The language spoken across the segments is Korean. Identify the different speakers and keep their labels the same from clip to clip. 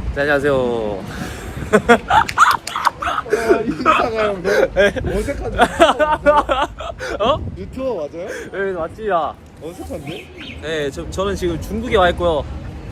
Speaker 1: 네, 안녕하세요.
Speaker 2: 인사가 형 너무 어색한데?
Speaker 1: 어?
Speaker 2: 유튜버 맞아요?
Speaker 1: 네, 맞지야.
Speaker 2: 어색한데?
Speaker 1: 네, 저는 지금 중국에 와 있고요.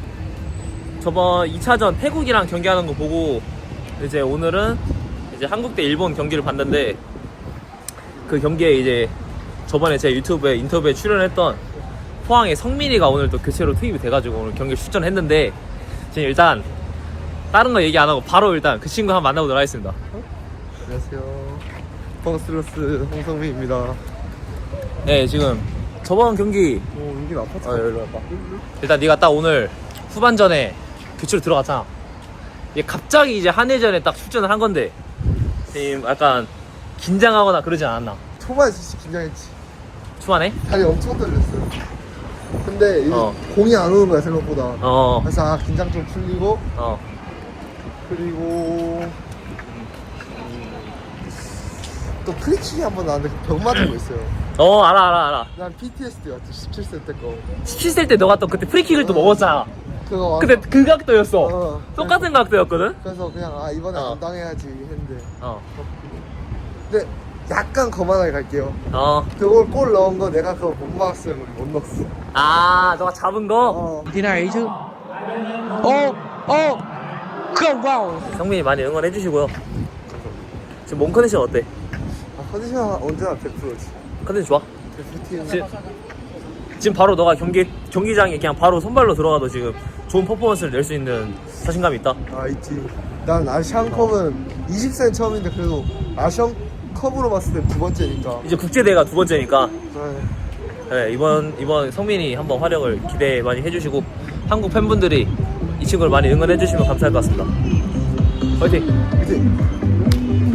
Speaker 1: 저번 2차전 태국이랑 경기하는 거 보고 이제 오늘은 이제 한국 대 일본 경기를 봤는데 그 경기에 이제 저번에 제 유튜브에 인터뷰에 출연했던 포항의 성민이가 오늘 또 교체로 투입이 돼가지고 오늘 경기를 출전했는데 지금 일단 다른 거 얘기 안 하고 바로 일단 그 친구 한번 만나보도록 하겠습니다.
Speaker 2: 안녕하세요. 펑스러스 홍성민입니다.
Speaker 1: 네, 지금 저번 경기
Speaker 2: 여기 아파트.
Speaker 1: 일로 와봐. 일단 네가 딱 오늘 후반전에 교체로 들어갔잖아. 이게 갑자기 이제 한일전에 딱 출전을 한 건데 지금 약간 긴장하거나 그러지 않았나?
Speaker 2: 초반에 진짜 긴장했지.
Speaker 1: 초반에?
Speaker 2: 다리 엄청 떨렸어요. 근데 이게 공이 안 오는 거야 생각보다. 그래서 긴장 좀 풀리고 그리고 또 프리킥이 한 번 나왔는데 벽 맞은 거 있어요.
Speaker 1: 알아.
Speaker 2: 난 PTSD 같아. 17세 때 거.
Speaker 1: 17세 때 너가 또 그때 프리킥을 또 먹었잖아.
Speaker 2: 그거
Speaker 1: 근데 그 각도였어. 똑같은
Speaker 2: 그래서,
Speaker 1: 각도였거든?
Speaker 2: 그래서 그냥 이번에 안 당해야지 했는데.
Speaker 1: 어.
Speaker 2: 근데 약간 거만하게 갈게요.
Speaker 1: 어.
Speaker 2: 그걸 골 넣은 거 내가 그거 못 막았으면 못 넣었어.
Speaker 1: 너가 잡은 거?
Speaker 3: Thế này ấy chứ. Không vào.
Speaker 1: 성민이 많이 응원해주시고요. 지금 몸 컨디션 어때?
Speaker 2: 컨디션 언제나 100%지.
Speaker 1: 컨디션 좋아?
Speaker 2: 100%팀.
Speaker 1: 지금 바로 너가 경기장에 그냥 바로 선발로 들어가도 지금 좋은 퍼포먼스를 낼 수 있는 자신감이 있다.
Speaker 2: 있지. 난 아시안컵은 20세는 처음인데 그래도 아시안컵으로 봤을 때 두 번째니까.
Speaker 1: 이제 국제대회가 두 번째니까
Speaker 2: 네.
Speaker 1: 네, 이번 성민이 한번 활약을 기대 많이 해주시고 한국 팬분들이 이 친구를 많이 응원해주시면 감사할 것 같습니다. 화이팅!
Speaker 2: 이제